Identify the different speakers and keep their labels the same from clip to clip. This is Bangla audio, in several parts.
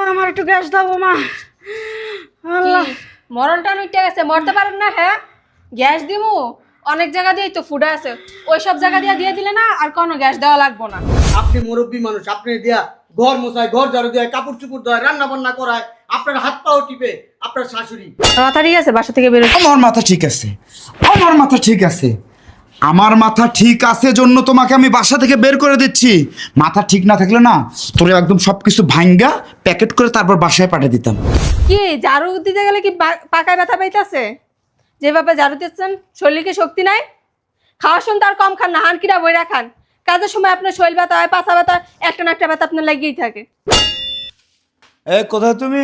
Speaker 1: আমার একটু গ্যাস দাও বোমা। আল্লাহ,
Speaker 2: কি মরণটা উঠে গেছে, মরতে পারেন না? হ্যাঁ, গ্যাস দিমু অনেক জায়গা দিয়েই তো ফুডা আছে, ওই সব জায়গা দিয়ে দিলে না আর কোনো গ্যাস দেওয়া লাগবো না।
Speaker 3: আপনি মুরব্বী মানুষ, আপনি দিয়া ঘর মোছায়, ঘর ঝাড়ু দেয়, কাপড় চুপড় দেয়, রান্না বান্না করায়, আপনার হাত পাও টিপে আপনার শাশুড়ি।
Speaker 2: মাথা ঠিক আছে? বাসা থেকে বেরো।
Speaker 4: আমার মাথা ঠিক আছে, আমার মাথা ঠিক আছে, আমার মাথা ঠিক আছে জন্য তোমাকে আমি বাসা থেকে বের করে দিচ্ছি। মাথা ঠিক না থাকলে না তোরে একদম সবকিছু ভাঙ্গা প্যাকেট করে তারপর বাসায় পাঠিয়ে দিতাম।
Speaker 2: কি ঝাড়ু দিতে গেলে কি পাকায় ব্যথা পাইতেছে? যেভাবে ঝাড়ু দিচ্ছেন শরীরে শক্তি নাই? খাওয়ার সময় তার কম খান না, হানকিরা বইরা খান। কাজের সময় আপনার শরীর ব্যথা হয়, পাছা ব্যথা, একটা না একটা ব্যথা আপনার লাগিয়েই থাকে।
Speaker 4: এ কোথায় তুমি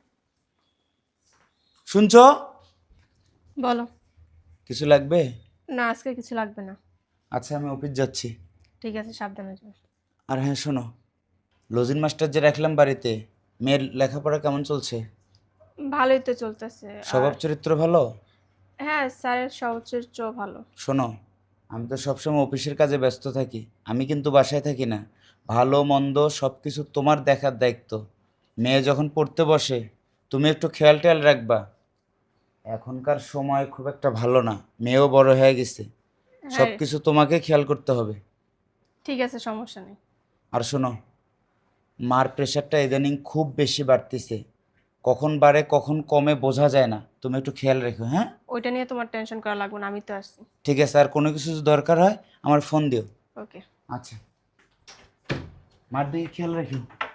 Speaker 4: শুনছো?
Speaker 2: বলো।
Speaker 4: কিছু লাগবে?
Speaker 2: না, আজকে কিছু লাগবে না।
Speaker 4: আচ্ছা আমি অফিস যাচ্ছি।
Speaker 2: ঠিক আছে, সাবধানে যাও।
Speaker 4: আর হ্যাঁ শোনো, লজিন মাস্টার যে রাখলাম বাড়িতে, মেয়ের লেখাপড়া কেমন চলছে?
Speaker 2: ভালোই তো চলতেছে।
Speaker 4: স্বভাব চরিত্র ভালো?
Speaker 2: হ্যাঁ, স্যারের সর্বোচ্চ ভালো।
Speaker 4: শোনো, আমি তো সবসময় অফিসের কাজে ব্যস্ত থাকি, আমি কিন্তু বাসায় থাকি না। ভালো মন্দ সব কিছু তোমার দেখার দায়িত্ব। মেয়ে যখন পড়তে বসে তুমি একটু খেয়াল টেয়াল রাখবা। এখনকার সময় খুব একটা ভালো না, মেয়েও বড় হয়ে গেছে, সব
Speaker 2: হ্যাঁ
Speaker 4: কিছু তোমাকে খেয়াল করতে হবে।
Speaker 2: ঠিক আছে, সমস্যা নেই।
Speaker 4: আর শোনো, মার প্রেশারটা ইদানিং খুব বেশি বাড়তেছে, কখন বাড়ে কখন কমে বোঝা যায় না, তুমি একটু খেয়াল রেখো। হ্যাঁ
Speaker 2: ওইটা নিয়ে তোমার টেনশন করা লাগবে না, আমি তো আসছি।
Speaker 4: ঠিক আছে, আর কোনো কিছু যদি দরকার হয় আমার ফোন দিও।
Speaker 2: ওকে।
Speaker 4: আচ্ছা, মার দিকে খেয়াল রাখি।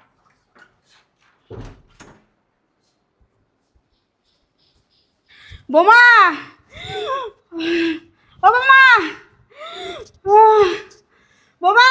Speaker 1: বোমা, ও বোমা, বোমা,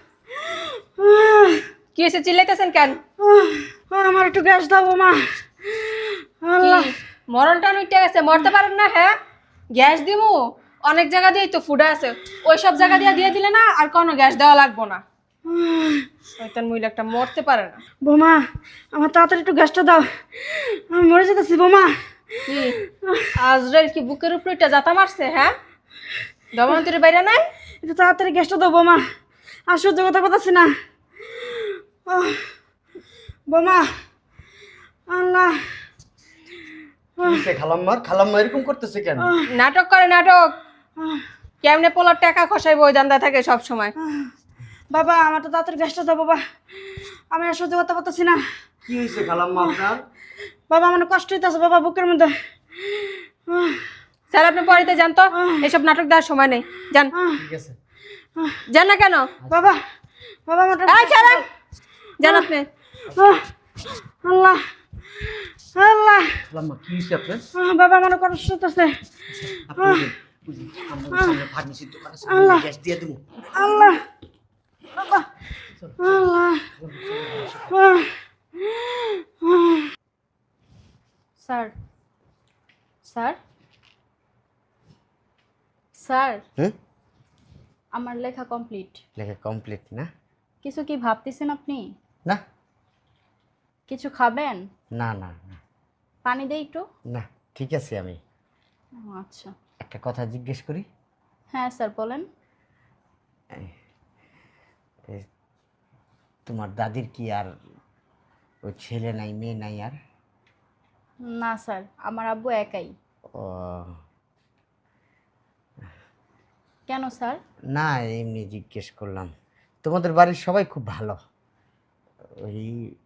Speaker 2: কি হয়েছে, চিল্লাইতেছেন কেন?
Speaker 1: আমার একটু গ্যাস দাও বোমা।
Speaker 2: কি
Speaker 1: আল্লাহ,
Speaker 2: মরণটা উঠে গেছে, মরতে পারেন না? হ্যাঁ, গ্যাস দিমু অনেক জায়গা দিয়েই তো ফুডা আছে, ওই সব জায়গা দিয়ে দিলে না আর কোনো গ্যাস দেওয়া লাগবো না। শয়তান মহিলা একটা, মরতে পারে না।
Speaker 1: বোমা আমার তাড়াতাড়ি একটু গ্যাসটা দাও, আমি মরে যেতেছি বোমা।
Speaker 2: কি আজরাইল কি বুকের উপরে একটা জাতা মারছে? হ্যাঁ, দমন্তরের বাইরে নাই?
Speaker 1: একটু তাড়াতাড়ি গ্যাসটা দাও বোমা, আর সহ্য করতে পারতেছি না। বোমা, আল্লাহ,
Speaker 3: খালাম্মা এরকম করতেছে কেন?
Speaker 2: নাটক করে, নাটক। কেমনে পোলার টাকা খসাইব, ওই দান্দা থাকে সব সময়।
Speaker 1: বাবা আমার তো তাড়াতাড়ি গ্যাসটা দাও বাবা, আমি আর সহ্য করতে পারতেছি না।
Speaker 3: কি হয়েছে খালাম্মা আপনার?
Speaker 1: বাবা আমার কষ্ট হইতেছে বাবা বুকের মধ্যে।
Speaker 2: স্যার আপনি পড়িতে যান তো, এইসব নাটক দেওয়ার সময় নেই, যান।
Speaker 3: ঠিক আছে।
Speaker 2: যান না কেন?
Speaker 1: বাবা, বাবা আমার
Speaker 2: এই ছাড়েন, যান আপনি।
Speaker 1: আল্লাহ, আল্লাহ,
Speaker 3: খালাম্মা কি হয়েছে আপনার?
Speaker 1: বাবা আমার কষ্ট হইতেছে।
Speaker 3: ফার্মেসির দোকানে
Speaker 1: আল্লাহ,
Speaker 3: গ্যাস দিয়ে দেবো।
Speaker 1: আল্লাহ, বাবা, আল্লাহ,
Speaker 5: স্যার, স্যার, স্যার,
Speaker 3: হুম,
Speaker 5: আমার লেখা কমপ্লিট।
Speaker 3: লেখা কমপ্লিট না?
Speaker 5: কিছু কি ভাবতেছেন আপনি?
Speaker 3: না
Speaker 5: কিছু খাবেন?
Speaker 3: না না না
Speaker 5: পানি দেই একটু?
Speaker 3: না, ঠিক আছে। আমি
Speaker 5: ও, আচ্ছা।
Speaker 3: একটা কথা জিজ্ঞেস করি।
Speaker 5: হ্যাঁ স্যার বলেন।
Speaker 3: এই, তোমার দাদির কি আর ওই ছেলে নাই, মেয়ে নাই আর?
Speaker 5: না স্যার, আমার আব্বু একাই।
Speaker 3: ও
Speaker 5: কেন স্যার?
Speaker 3: না, এমনি জিজ্ঞেস করলাম। তোমাদের বাড়ির সবাই খুব ভালো। ওই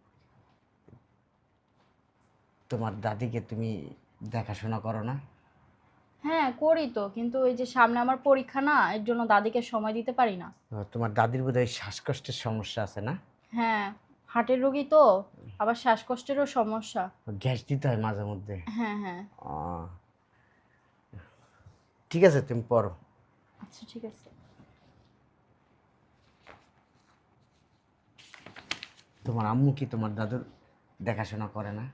Speaker 3: তোমার দাদিকে তুমি দেখাশোনা করো না?
Speaker 5: হ্যাঁ করি তো, কিন্তু ওই যে সামনে আমার পরীক্ষা না, এর জন্য দাদিকে সময় দিতে পারি না।
Speaker 3: তোমার দাদির বোধহয় শ্বাসকষ্টের সমস্যা আছে না?
Speaker 5: হ্যাঁ, হার্টের রোগী তো, আবার শ্বাসকষ্টেরও সমস্যা।
Speaker 3: গ্যাস দিতে হয় মাঝে মধ্যে।
Speaker 5: হ্যাঁ হ্যাঁ।
Speaker 3: ও, ঠিক আছে, তুমি পড়ো।
Speaker 5: আচ্ছা ঠিক আছে।
Speaker 3: তোমার আম্মু কি তোমার দাদুর দেখাশোনা করে না?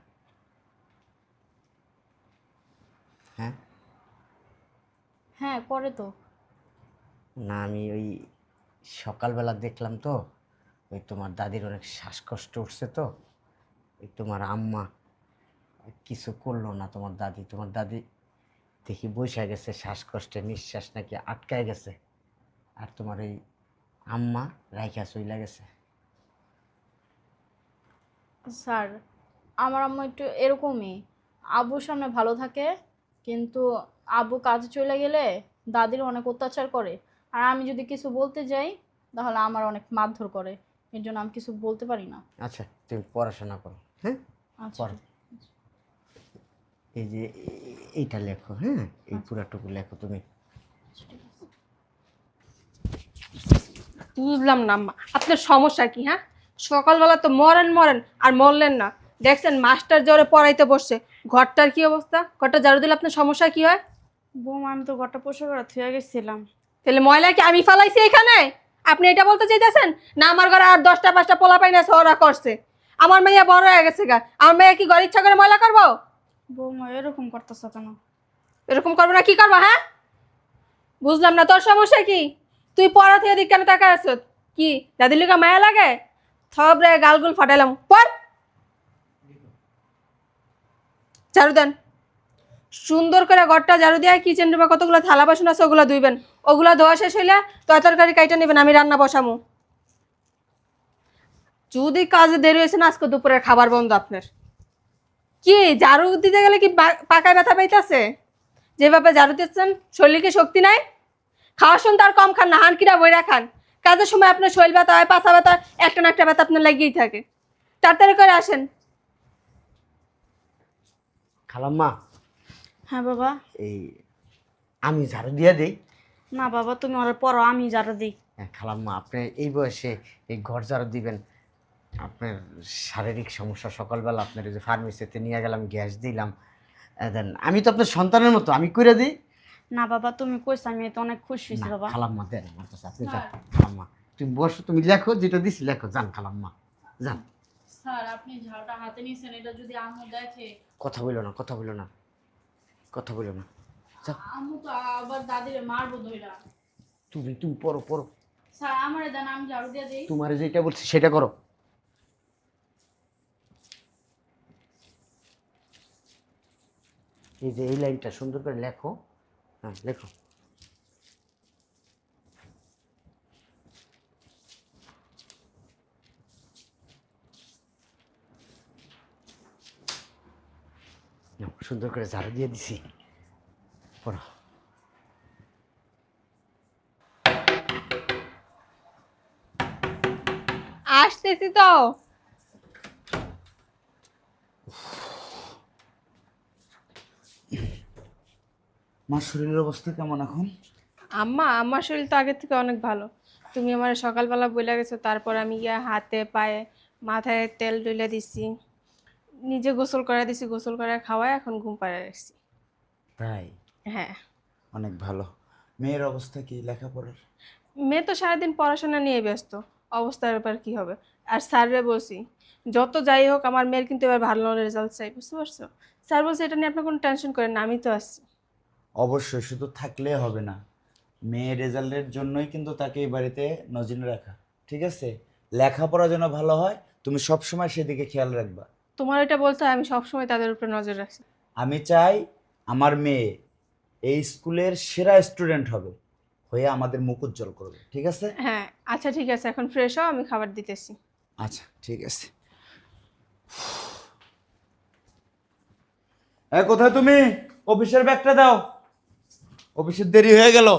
Speaker 3: হ্যাঁ
Speaker 5: হ্যাঁ করে তো।
Speaker 3: না, আমি ওই সকালবেলা দেখলাম তো, ওই তোমার দাদির অনেক শ্বাসকষ্ট উঠছে তো, ওই তোমার আম্মা কিছু করলো না। তোমার দাদি দেখি বসে গেছে, শ্বাসকষ্টে নিঃশ্বাস নাকি আটকায় গেছে, আর তোমার এই আম্মা রাইখা চইলা গেছে।
Speaker 5: স্যার আমার আম্মু একটু এরকমই, আব্বুর সামনে ভালো থাকে, কিন্তু আব্বু কাজে চলে গেলে দাদির অনেক অত্যাচার করে। আর আমি যদি কিছু বলতে যাই তাহলে আমার অনেক মারধর করে, এর জন্য আমি কিছু বলতে পারি না।
Speaker 3: আচ্ছা তুমি পড়াশোনা করো, হ্যাঁ?
Speaker 5: আচ্ছা
Speaker 3: পড়ো। এই যে এইটা লেখো, হ্যাঁ, এই পুরাটুকু লেখো তুমি।
Speaker 2: বুঝলাম না আম্মা, আপনার সমস্যা কি? হ্যাঁ, সকালবেলা তো মরেন মরেন আর মরলেন না। দেখছেন মাস্টার জ্বরে পড়াইতে বসছে, ঘরটার কি অবস্থা? ঘরটা ঝাড়ু দিলে আপনার সমস্যা কি হয়?
Speaker 1: বৌমা আমি তো ঘরটা পরিষ্কার করে থুয়ে গেছিলাম।
Speaker 2: তাহলে ময়লা কি আমি ফালাইছি এখানে? আপনি এটা বলতে চাইতেছেন না আমার ঘরে আর 10টা 5টা পোলা পাইনা ওরা করছে? আমার মেয়ে বড় হয়ে গেছে গা, আমার মেয়ে কি ঘর ইচ্ছা করে ময়লা করবো?
Speaker 1: বৌমা এরকম করতেছ কেন?
Speaker 2: এরকম করবো না কি করবো? হ্যাঁ, বুঝলাম না তোর সমস্যা কি? তুই পড়া থেকে দিক কেন তাকা আছ? কি দাদির লিগা মায়া লাগে? থব রে গালগুল ফাটাইলাম, পড়। ঝাড়ু দেন, সুন্দর করে ঘরটা ঝাড়ু দিয়ে কিচেন রুমে কতগুলো থালা বাসন আছে ওগুলো ধুইবেন। ওগুলো ধোয়া শেষ হইলে তরকারি কাইটা নেবেন, আমি রান্না বসামু। যদি কাজে দেরি হয়েছে না আজকে দুপুরের খাবার বন্ধ আপনার। কি ঝাড়ু দিতে গেলে কি পাকায় ব্যথা পাইতেছে? যেভাবে ঝাড়ু দিচ্ছেন শরীরে কি শক্তি নাই? খাওয়ার সময় তার কম খান না, হানকিরা বইরা খান। কাজের সময় আপনার শরীর ব্যথা হয়, পাছা ব্যথা, একটা না একটা ব্যথা আপনার লাগিয়েই থাকে। তাড়াতাড়ি করে আসেন।
Speaker 3: খালাম্মা,
Speaker 1: হ্যাঁ বাবা।
Speaker 3: এই আমি ঝাড়ু দিয়ে দিই।
Speaker 1: না বাবা, তুমি ওরা পড়ো, আমি ঝাড়ু দিই।
Speaker 3: হ্যাঁ খালাম্মা, আপনি এই বয়সে এই ঘর ঝাড়ু দিবেন? আপনার শারীরিক সমস্যা, সকালবেলা আপনার এই যে ফার্মেসিতে নিয়ে গেলাম, গ্যাস দিলাম, দেন আমি তো আপনার সন্তানের মতো, আমি করে দিই।
Speaker 1: না বাবা, তুমি কইছো, আমি তো অনেক খুশি হয়েছি
Speaker 3: না,
Speaker 1: বাবা।
Speaker 3: খালাম্মা দেন আমার কাছে, আপনি যান। খালাম্মা তুমি বসো, তুমি লেখো যেটা দিছি লেখো, যান খালাম্মা যান।
Speaker 5: স্যার আপনি ঝাড়ুটা হাতে নিয়েছেন, এটা যদি আম্মু দেখে?
Speaker 3: কথা বলো না, কথা বলো না, কথা বলো না। যাও,
Speaker 5: আম্মু তো আবার দাদিরে মারবো ধইরা।
Speaker 3: তুমি তুমি পড়ো পড়ো,
Speaker 5: স্যার আমারে দেন, আমি ঝাড়ু দিয়ে দিই।
Speaker 3: তোমার যেটা বলছি সেটা করো। এই যে এই লাইনটা সুন্দর করে লেখো, হ্যাঁ লেখো। নাও, সুন্দর করে ঝাড়ু দিয়ে দিছি, পড়ো।
Speaker 2: আসতেছি তো।
Speaker 4: মার শরীরের অবস্থা কেমন এখন?
Speaker 2: আম্মা, আমার শরীর তো আগের থেকে অনেক ভালো। তুমি আমার সকালবেলা বলে গেছো, তারপর আমি গিয়ে হাতে পায়ে মাথায় তেল ডলে দিছি, নিজে গোসল করে দিছি, গোসল করে খাওয়ায় এখন ঘুম পাড়ে রাখছি।
Speaker 3: তাই?
Speaker 2: হ্যাঁ।
Speaker 4: অনেক ভালো। মেয়ের অবস্থা কি লেখাপড়ার?
Speaker 2: মেয়ে তো সারাদিন পড়াশোনা নিয়ে ব্যস্ত, অবস্থার ব্যাপার কি হবে। আর স্যাররে বলছি যত যাই হোক আমার মেয়ের কিন্তু এবার ভালো রেজাল্ট চাই, বুঝতে পারছো? স্যার বলছে এটা নিয়ে আপনার কোনো টেনশন করেন না, আমি তো আসছি।
Speaker 4: অবশ্যই, শুধু থাকলে হবে না, মেয়ের রেজাল্টের জন্যই কিন্তু তাকে এই বাড়িতে নজরে রাখা, ঠিক আছে? লেখাপড়া যেন ভালো হয়, তুমি সবসময় সেদিকে খেয়াল রাখবা।
Speaker 2: তোমার এটা বলতে হয়, আমি সবসময় তাদের উপরে নজর রাখছি।
Speaker 4: আমি চাই আমার মেয়ে এই স্কুলের সেরা স্টুডেন্ট হবে, হয়ে আমাদের মুখ উজ্জ্বল করবে, ঠিক আছে?
Speaker 2: হ্যাঁ আচ্ছা ঠিক আছে, এখন ফ্রেশ হও, আমি খাবার দিতেছি।
Speaker 4: আচ্ছা ঠিক আছে। এ কোথায় তুমি? অফিসের ব্যাগটা দাও, অফিসের দেরি হয়ে গেল।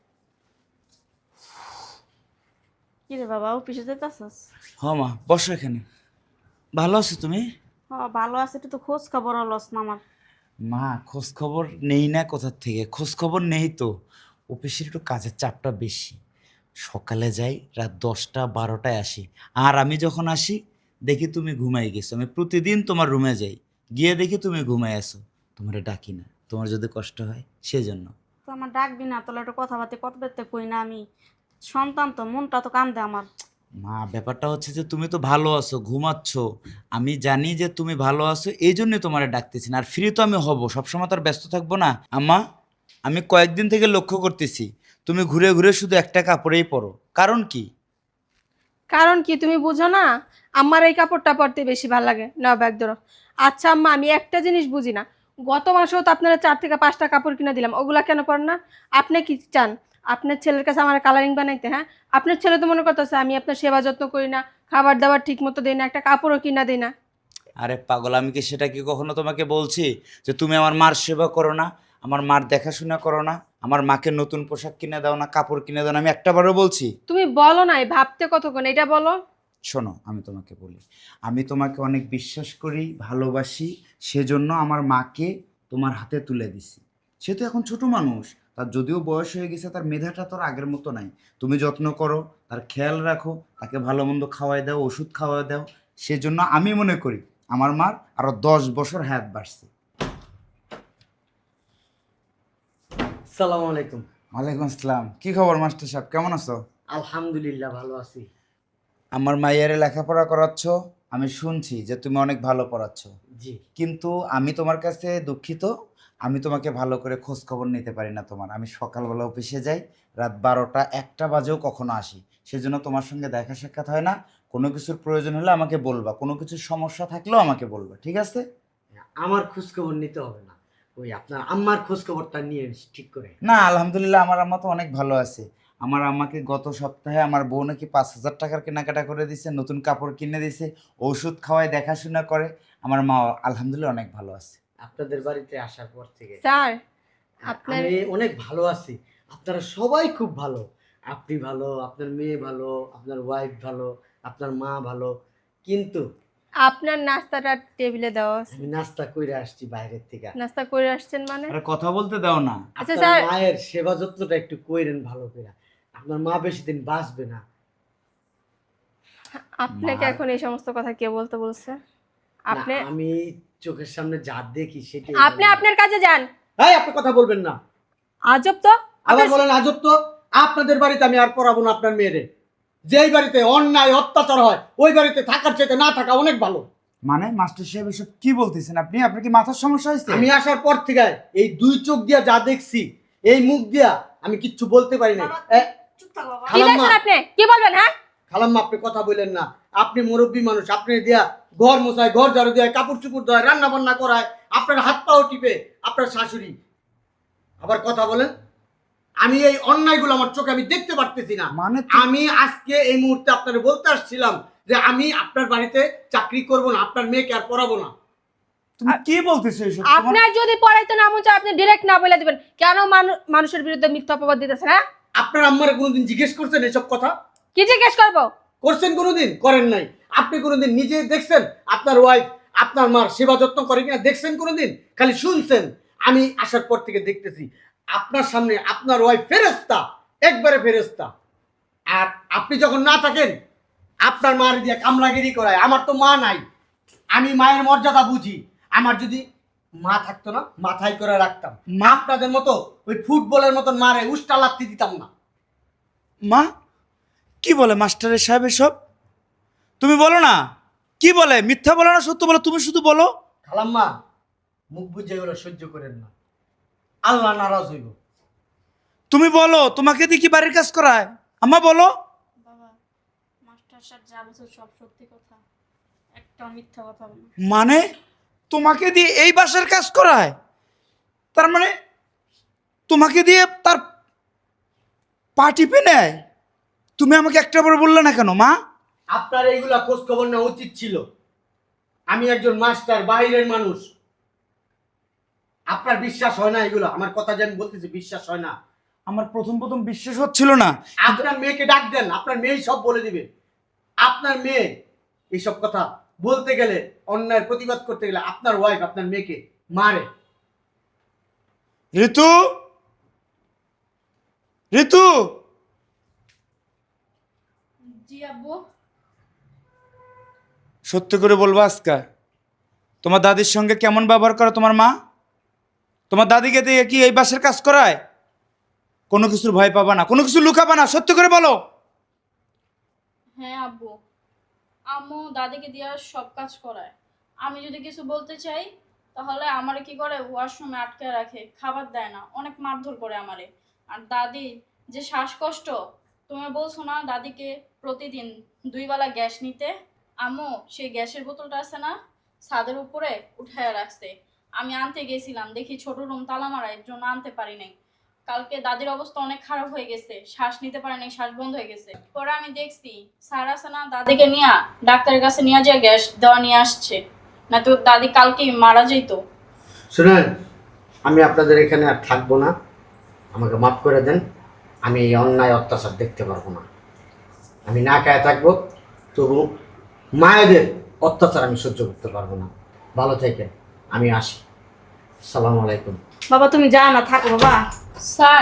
Speaker 1: কি রে বাবা, অফিসে যেতেছস?
Speaker 4: হ্যাঁ মা, বসো এখানে। ভালো আছো তুমি?
Speaker 1: ভালো আছে, একটু তো খোঁজ খবর লস না আমার।
Speaker 4: মা খোঁজ খবর নেই না কোথার থেকে? খোঁজ খবর নেই তো, অফিসের একটু কাজের চাপটা বেশি। সকালে যাই, রাত 10টা 12টায় আসি, আর আমি যখন আসি দেখি তুমি ঘুমাই গেছো। আমি প্রতিদিন তোমার রুমে যাই, গিয়ে দেখি তুমি ঘুমাই আছো, তোমার ডাকি না, তোমার যদি কষ্ট হয় সেজন্য।
Speaker 1: তো আমার ডাকবি না, তোলা একটু কথাবার্তা কত বেরতে কই না আমি? সন্তান তো, মনটা তো কান্দে আমার।
Speaker 4: মা ব্যাপারটা হচ্ছে যে তুমি তো ভালো আছো, ঘুমাচ্ছ, আমি জানি যে তুমি ভালো আছো, এই জন্যই তোমার ডাকতেছি না। আর ফ্রি তো আমি হব, সবসময় তো আর ব্যস্ত থাকবো না। আম্মা, আমি কয়েকদিন থেকে লক্ষ্য করতেছি তুমি ঘুরে ঘুরে শুধু একটা কাপড়েই পরো, কারণ কি?
Speaker 2: কারণ কি তুমি বুঝো না? আমার এই কাপড়টা পরতে বেশি ভালো লাগে, না ব্যাগ ধরো। আচ্ছা আম্মা, আমি একটা জিনিস বুঝি না, গত মাসেও তো আপনারা 4 থেকে 5টা কাপড় কিনে দিলাম, ওগুলা কেন পরেন না? আপনি কি চান আপনার ছেলের কাছে আমার কালারিং বানাইতে? হ্যাঁ, আপনার ছেলে তো মনে করতেছে আমি আপনার সেবা যত্ন করি না, খাবার দাবার ঠিক মতো দিই না, একটা কাপড়ও কিনা দিই না।
Speaker 4: আরে পাগল, আমি কি সেটা কি কখনো তোমাকে বলছি যে তুমি আমার মার সেবা করো না, আমার মার দেখাশোনা করো না, আমার মাকে নতুন পোশাক কিনে দাও না, কাপড় কিনে দাও না? আমি একটাবারও বলছি?
Speaker 2: তুমি বলো নাই ভাবতে কতক্ষণ, এটা বলো।
Speaker 4: শোনো, আমি তোমাকে বলি, আমি তোমাকে অনেক বিশ্বাস করি, ভালোবাসি, সেজন্য আমার মাকে তোমার হাতে তুলে দিছি। সে তো এখন ছোট মানুষ, তার যদিও বয়স হয়ে গেছে, তার মেধাটা তো আর আগের মতো নাই। তুমি যত্ন করো, তার খেয়াল রাখো, তাকে ভালো মন্দ খাওয়াই দাও, ওষুধ খাওয়াই দাও। সেজন্য আমি মনে করি আমার মার আরো 10 বছর হায়াত বাড়ছে।
Speaker 3: আসসালামু আলাইকুম।
Speaker 4: ওয়ালাইকুম আসসালাম। কি খবর মাস্টার সাহেব, কেমন আছো?
Speaker 3: আলহামদুলিল্লাহ ভালো আছি।
Speaker 4: আমার মাইয়ারে লেখাপড়া করাচ্ছ, আমি শুনছি যে তুমি অনেক ভালো পড়াচ্ছ,
Speaker 3: জি।
Speaker 4: কিন্তু আমি তোমার কাছে দুঃখিত, আমি তোমাকে ভালো করে খোঁজ খবর নিতে পারি না তোমার। আমি সকালবেলা অফিসে যাই, রাত 12টা 1টা বাজেও কখনো আসি, সেজন্য তোমার সঙ্গে দেখা সাক্ষাৎ হয় না। কোনো কিছুর প্রয়োজন হলে আমাকে বলবা, কোনো কিছুর সমস্যা থাকলেও আমাকে বলবা, ঠিক আছে?
Speaker 3: আমার খোঁজ খবর নিতে হবে না, ওই আপনার আম্মার খোঁজ খবরটা নিয়ে ঠিক করে।
Speaker 4: না, আলহামদুলিল্লাহ আমার আম্মা তো অনেক ভালো আছে। আমার আম্মাকে গত সপ্তাহে আমার বউ নাকি 5,000 টাকার কেনাকাটা করে দিছে, নতুন কাপড় কিনে দিছে, ওষুধ খাওয়ায়, দেখাশোনা করে। আমার মা আলহামদুলিল্লাহ অনেক ভালো আছে।
Speaker 3: আপনাদের বাড়িতে আসার পর থেকে
Speaker 2: স্যার আপনার
Speaker 3: আমি অনেক ভালো আছি। আপনারা সবাই খুব ভালো, আপনি ভালো, আপনার মেয়ে ভালো, আপনার ওয়াইফ ভালো, আপনার মা ভালো। কিন্তু
Speaker 2: আপনার নাস্তাটা টেবিলে দেওয়া আছে।
Speaker 3: আমি নাস্তা কইরা আসছি বাইরের থেকে।
Speaker 2: নাস্তা করে আসছেন মানে?
Speaker 4: আরে কথা বলতে দাও না।
Speaker 2: আচ্ছা
Speaker 3: আপনার
Speaker 2: স্যার,
Speaker 3: মায়ের সেবা যত্নটা একটু কইরেন ভালো করে, আপনার মা বেশি দিন বাঁচবে না।
Speaker 2: আপনাকে
Speaker 4: মার-
Speaker 2: এখন এই সমস্ত কথা কে বলতে বলছে? আপনি
Speaker 3: না, আমি চোখের সামনে যা দেখি সেটাই
Speaker 2: আপনি আপনার কাজে যান।
Speaker 3: এই আপনি কথা বলবেন না।
Speaker 2: আজব তো।
Speaker 3: আবার
Speaker 2: আপনার-
Speaker 3: বলেন আজব তো। আপনাদের বাড়িতে আমি আর পড়াবো না আপনার মেয়েরে। যেই বাড়িতে অন্যায় অত্যাচার হয় ওই বাড়িতে থাকার চাইতে না থাকা অনেক ভালো।
Speaker 4: মানে মাস্টার সাহেব এসব কি বলতেছেন আপনি? আপনার কি মাথার সমস্যা হয়েছে?
Speaker 3: আমি আসার পর থেকে এই দুই চোখ দিয়া যা দেখছি, এই মুখ দিয়া আমি কিচ্ছু বলতে পারি না।
Speaker 1: চুপ থাক বাবা।
Speaker 2: কি দেখছেন আপনি? কি বলবেন? হ্যাঁ,
Speaker 3: খালাম্মা আপনি কথা বললেন না। আপনি মুরব্বী মানুষ, আপনি দিয়া ঘর মোছায়, ঘর ঝাড়ু দেয়, কাপড় চুপড় দেয়, রান্না বান্না করায়, আপনার হাত পাও টিপে আপনার শাশুড়ি। আবার কথা বলেন। আমি এই অন্যায়গুলো আমার চোখে আমি দেখতে পারতেছি না।
Speaker 4: মানে
Speaker 3: আমি আজকে এই মুহূর্তে আপনাকে বলতে আসছিলাম যে আমি আপনার বাড়িতে চাকরি করব না, আপনার মেয়েকে আর পড়াবো না।
Speaker 4: তুমি কি বলতেছো এসব? তোমার-
Speaker 2: আপনার যদি পড়াইতে না মন চায় আপনি ডিরেক্ট না বলে দিবেন। কেন মানুষের বিরুদ্ধে মিথ্যা অপবাদ দিতেছেন? হ্যাঁ,
Speaker 3: আপনার আম্মারে কোনোদিন জিজ্ঞেস করছেন এসব কথা?
Speaker 2: কি জিজ্ঞেস করবো?
Speaker 3: করছেন কোনোদিন? করেন নাই। আপনি কোনোদিন নিজে দেখছেন আপনার ওয়াইফ আপনার মার সেবা যত্ন করে কিনা? দেখছেন কোনোদিন? খালি শুনছেন। আমি আসার পর থেকে দেখতেছি আপনার সামনে আপনার ওয়াইফ ফেরেশতা, একবারে ফেরেশতা। আর আপনি যখন না থাকেন আপনার মার দিয়ে কামলাগিরি করায়। আমার তো মা নাই, আমি মায়ের মর্যাদা বুঝি। আমার যদি মা থাকতো না, মাথায় করে রাখতাম। মা আপনাদের মতো ওই ফুটবলের মতন মারে উষ্টা লাগতে দিতাম না।
Speaker 4: মা কি বলে মাস্টারের সাহেব এসব? তুমি বলো না, কি বলে? মিথ্যা বলো না সত্য বলো, তুমি শুধু বলো।
Speaker 3: খালাম্মা মুখ বুঝে এগুলো সহ্য করেন না, আল্লাহ নারাজ হইব।
Speaker 4: তুমি বলো, তোমাকে দিয়ে কি বাড়ির কাজ করায়? আম্মা বলো।
Speaker 1: বাবা, মাস্টার সাহেব যা বলছে সব সত্যি কথা, একটা মিথ্যা কথা বলে না।
Speaker 4: মানে তোমাকে দিয়ে এই বাসার কাজ করায়? তার মানে তোমাকে দিয়ে তার পা টিপে নেয়? তুমি আমাকে একটা বার বললে না কেন মা?
Speaker 3: আপনার এইগুলা খোঁজ খবর নেওয়া উচিত ছিল। আমি একজন মাস্টার, বাইরের মানুষ। আপনার বিশ্বাস হয় না এগুলো? আমার কথা যে আমি বলতেছি বিশ্বাস হয় না?
Speaker 4: আমার প্রথম প্রথম বিশ্বাস হচ্ছিল না।
Speaker 3: আপনার মেয়েকে ডাক দেন, আপনার মেয়েই সব বলে দিবে। আপনার মেয়ে এইসব কথা বলতে গেলে, অন্যায়ের প্রতিবাদ করতে গেলে আপনার ওয়াইফ আপনার মেয়েকে মারে।
Speaker 4: ঋতু, ঋতু,
Speaker 5: জি আব্বু।
Speaker 4: সত্য করে বলবো আজকা তোমার দাদির সঙ্গে কেমন ব্যবহার করে তোমার মা? তোমার দাদিকে দিয়ে কি এই বাসের কাজ করায়? কোনো কিছুর ভয় পাবা না, কোনো কিছু লুকাবা না, সত্য করে বলো।
Speaker 5: হ্যাঁ আব্বু, আম্মু দাদিকে দিয়ে সব কাজ করায়। আমি যদি কিছু বলতে চাই তাহলে আমারে কি করে, ওয়াশরুমে আটকে রাখে, খাবার দেয় না, অনেক মারধর করে আমারে। আর দাদি যে শ্বাসকষ্ট, তুমি বলছো না দাদিকে প্রতিদিন 2 বেলা গ্যাস নিতে, আম্মু সেই গ্যাসের বোতলটা আছে না ছাদের উপরে উঠায় রাখছে। আমি আনতে গেছিলাম, দেখি ছোট রুম তালা মারা, এর জন্য আনতে পারি নাই। কালকে দাদির অবস্থা অনেক খারাপ হয়ে গেছে, শ্বাস নিতে পারে নাই, শ্বাস বন্ধ হয়ে গেছে। পরে আমি দেখছি স্যার আছে না দাদিকে নিয়ে ডাক্তারের কাছে নিয়ে যায় গ্যাস দেওয়া নিয়ে আসছে। না তো দাদি কালকেই মারা যেতো।
Speaker 3: শুনেন, আমি আপনাদের এখানে আর থাকবো না, আমাকে মাফ করে দেন। আমি এই অন্যায় অত্যাচার দেখতে পারবো না। আমি না খায় থাকবো, তবু মায়েদের অত্যাচার আমি সহ্য করতে পারবো না। ভালো থাকেন, আমি আসি। আসসালামু আলাইকুম।
Speaker 1: বাবা তুমি যাও না, থাকো বাবা।
Speaker 5: স্যার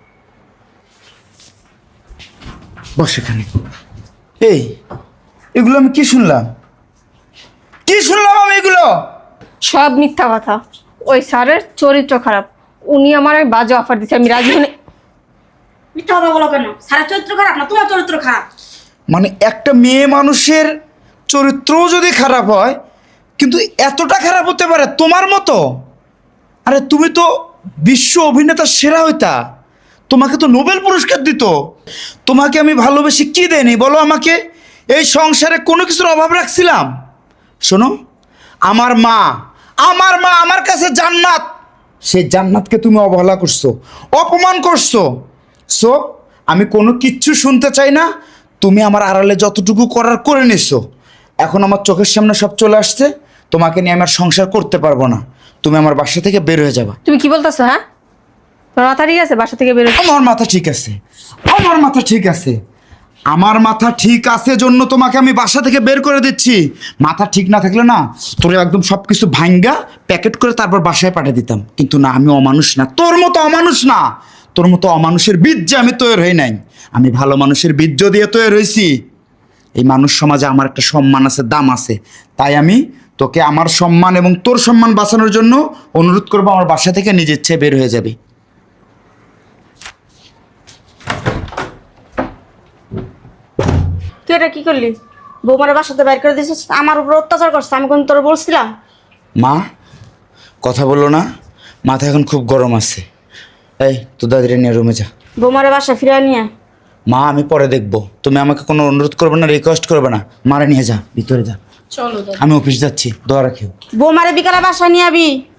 Speaker 4: বস এখানে। এই এগুলো আমি কি শুনলাম? কি শুনলাম আমি এগুলো?
Speaker 2: সব মিথ্যা কথা। ওই স্যারের চরিত্র খারাপ, উনি আমার বাজে অফার দিচ্ছে, আমি রাজি হলে।
Speaker 1: মিথ্যা কথা বলো কেন? সারা চরিত্র খারাপ না, তোমার চরিত্র খারাপ।
Speaker 4: মানে একটা মেয়ে মানুষের চরিত্রও যদি খারাপ হয়, কিন্তু এতটা খারাপ হতে পারে তোমার মতো? আরে তুমি তো বিশ্ব অভিনেতা সেরা হইতা, তোমাকে তো নোবেল পুরস্কার দিত। তোমাকে আমি ভালোবেসে কি দেয়নি বলো আমাকে? এই সংসারে কোনো কিছুর অভাব রাখছিলাম? শোনো, আমার মা আমার কাছে জান্নাত। সেই জান্নাতকে তুমি অবহেলা করছো, অপমান করছো। সো আমি কোনো কিচ্ছু শুনতে চাই না। তুমি আমার আড়ালে যতটুকু করার করে নিছো। এখন আমার চোখের সামনে সব চলে আসছে, তোমাকে নিয়ে আমার সংসার করতে পারবো না। তুমি আমার বাসা থেকে বের হয়ে যাবা।
Speaker 2: তুমি কি বলতেছো? হ্যাঁ, তোমার মাথা ঠিক আছে? বাসা থেকে বেরো।
Speaker 4: আমার মাথা ঠিক আছে, আমার মাথা ঠিক আছে, আমার মাথা ঠিক আছে জন্য তোমাকে আমি বাসা থেকে বের করে দিচ্ছি। মাথা ঠিক না থাকলে না, তোর একদম সব কিছু ভাঙ্গা প্যাকেট করে তারপর বাসায় পাঠিয়ে দিতাম। কিন্তু না, আমি অমানুষ না, তোর মতো অমানুষ না। তোর মতো অমানুষের বীর্যে আমি তৈরি হই নাই, আমি ভালো মানুষের বীর্য দিয়ে তৈরি হয়েছি। এই মানুষ সমাজে আমার একটা সম্মান আছে, দাম আছে। তাই আমি তোকে আমার সম্মান এবং তোর সম্মান বাঁচানোর জন্য অনুরোধ করবো, আমার বাসা থেকে নিজের ইচ্ছে বের হয়ে যাবে।
Speaker 1: তুই এটা কি করলি? বৌমারে বাসাতে বাইর করে দিছিস, আমার উপর অত্যাচার করছে, আমি কোন তোর বলছিলাম?
Speaker 4: মা, কথা বলো না, মাথা এখন খুব গরম আছে। এই তোর দাদিরে নিয়ে রুমে যা।
Speaker 1: বৌমারে বাসা ফিরে নিয়ে আয়।
Speaker 4: মা আমি পরে দেখবো, তুমি আমাকে কোনো অনুরোধ করবে না, রিকোয়েস্ট করবে না। মারে নিয়ে যা, ভিতরে যা।
Speaker 5: চলো দাদি।
Speaker 4: আমি অফিস যাচ্ছি, দোয়া রাখিও।
Speaker 1: বৌমারে বিকালে বাসা নিয়ে আবি।